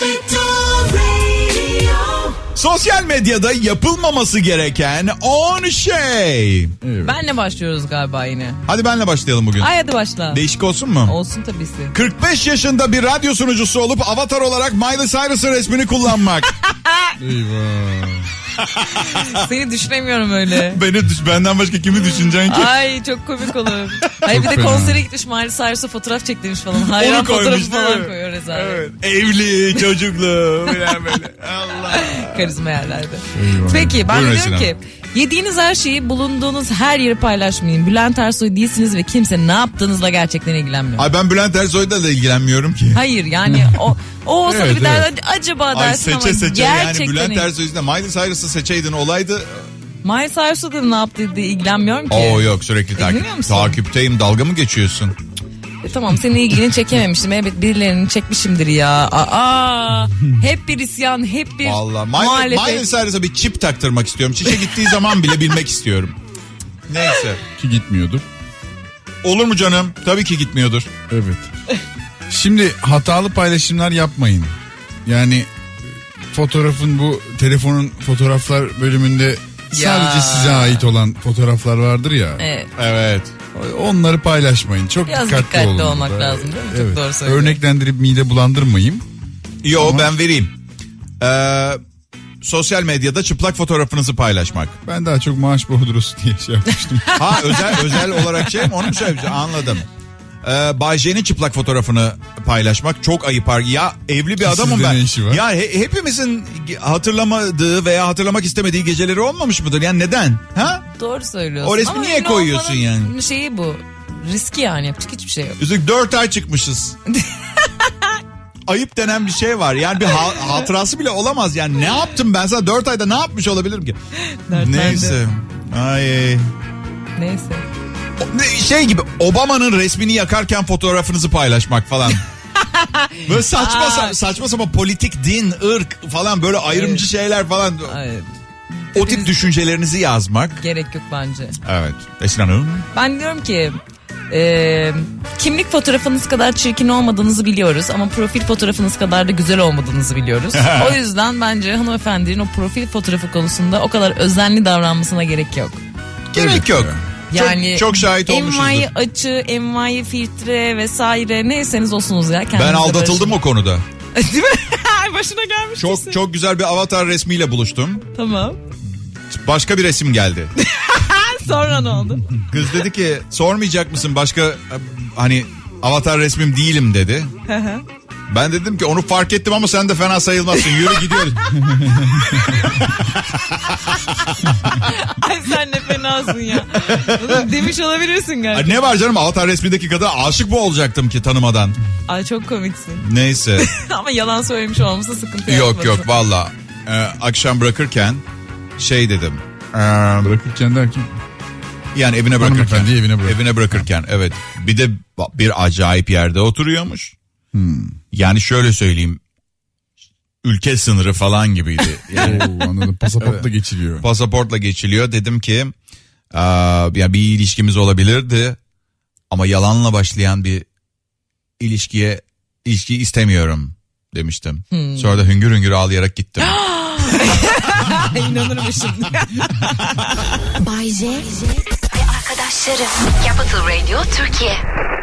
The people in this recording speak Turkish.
Sosyal medyada yapılmaması gereken 10 şey. Evet. Benle başlıyoruz galiba yine. Hadi benle başlayalım bugün. Ay hadi başla. Değişik olsun mu? Olsun tabisi. 45 yaşında bir radyo sunucusu olup avatar olarak Miley Cyrus'ın resmini kullanmak. Eyvah. Seni düşünemiyorum öyle. Benden başka kimi düşüneceksin ki? Ay çok komik olur. Hayır bir de fena. konsere gitmiş Miley Cyrus'a fotoğraf çektirmiş falan. Hayran Onu koymuş, fotoğrafı değil falan mi? koyuyor rezalet. Evet. Evli, çocuklu falan böyle. Allah. Karizma yerlerde. Eyvah. Peki ben de Buyurun diyorum ki yediğiniz her şeyi bulunduğunuz her yeri paylaşmayın. Bülent Ersoy değilsiniz ve kimse ne yaptığınızla gerçekten ilgilenmiyor. Ay ben Bülent Ersoy'da da ilgilenmiyorum ki. Hayır yani o olsa da Evet, bir der, acaba Ay dersin ama seçe yani gerçekten Bülent Ersoy'da Miley Cyrus'ı seçeydin olaydı. Miley Cyrus'la da ne yaptığı diye ilgilenmiyorum ki. Oo yok sürekli İlgileniyor musun? takipteyim, dalga mı geçiyorsun? Tamam senin ilgini çekememiştim. Evet birilerinin çekmişimdir ya. Aa, hep bir isyan, hep bir Vallahi muhalefet. Miley Cyrus'a bir çip taktırmak istiyorum. Çişe gittiği zaman bile bilmek istiyorum. Neyse. Ki gitmiyordur. Olur mu canım? Tabii ki gitmiyordur. Evet. Şimdi hatalı paylaşımlar yapmayın. Yani fotoğrafın bu telefonun fotoğraflar bölümünde sadece size ait olan fotoğraflar vardır ya. Evet. Evet. Onları paylaşmayın. Çok Biraz dikkatli olun. olmak burada. lazım değil mi? Çok doğru söylüyorsun. Örneklendirip mide bulandırmayayım. Yo Ama- ben vereyim. Sosyal medyada çıplak fotoğrafınızı paylaşmak. Ben daha çok maaş bordrosu diye şey yapmıştım. Ha özel olarak şey mi? Onu mu söyleyeceğim? Anladım. Bay J'nin çıplak fotoğrafını paylaşmak çok ayıp. Ya evli bir adamım Sizde ben. ne işi var? Ya hepimizin hatırlamadığı veya hatırlamak istemediği geceleri olmamış mıdır? Yani neden? Ha? Doğru söylüyorsun. O resmi Ama niye ünlü koyuyorsun olmanın yani? Şeyi bu. Riski yani yapacak hiçbir şey yok. Üstelik 4 ay çıkmışız. Ayıp denen bir şey var. Yani bir hatırası bile olamaz. Yani ne yaptım ben sana 4 ayda ne yapmış olabilirim ki? Dert Neyse. Ay. Neyse. Şey gibi Obama'nın resmini yakarken fotoğrafınızı paylaşmak falan. Böyle saçma sapan politik, din, ırk falan böyle ayrımcı şeyler falan. Evet. O tip düşüncelerinizi yazmak. Gerek yok bence. Evet. Esin Hanım. Ben diyorum ki kimlik fotoğrafınız kadar çirkin olmadığınızı biliyoruz ama profil fotoğrafınız kadar da güzel olmadığınızı biliyoruz. O yüzden bence hanımefendinin o profil fotoğrafı konusunda o kadar özenli davranmasına gerek yok. Gerek yok. Yani çok şahit olmuşuzdur. envai açı, envai filtre vesaire neyseniz olsunuz ya. Ben aldatıldım o konuda. Değil mi? Başına gelmiş. Çok güzel bir avatar resmiyle buluştum. Tamam. Başka bir resim geldi. Sonra ne oldu? Kız dedi ki sormayacak mısın başka hani avatar resmim değilim dedi. Ben dedim ki onu fark ettim ama sen de fena sayılmazsın. Yürü gidiyoruz. Ay sen ne fenasın ya. Bunu demiş olabilirsin galiba. Ne var canım avatar resmindeki kadına aşık mı olacaktım ki tanımadan? Ay çok komiksin. Neyse. Ama yalan söylemiş olması sıkıntı yok valla. Akşam bırakırken şey dedim. Bırakırken derken. Yani evine bırakırken. Hanımefendiyi Evine bırakırken evet. Bir de bir acayip yerde oturuyormuş. Yani şöyle söyleyeyim. Ülke sınırı falan gibiydi. Yani Oo, anladım. Pasaportla geçiliyor. pasaportla geçiliyor. Dedim ki ya bir ilişkimiz olabilirdi. Ama yalanla başlayan bir ilişki istemiyorum demiştim. Sonra da hüngür hüngür ağlayarak gittim. İnanır mı şimdi? Bay J ve arkadaşları. Capital Radio Türkiye.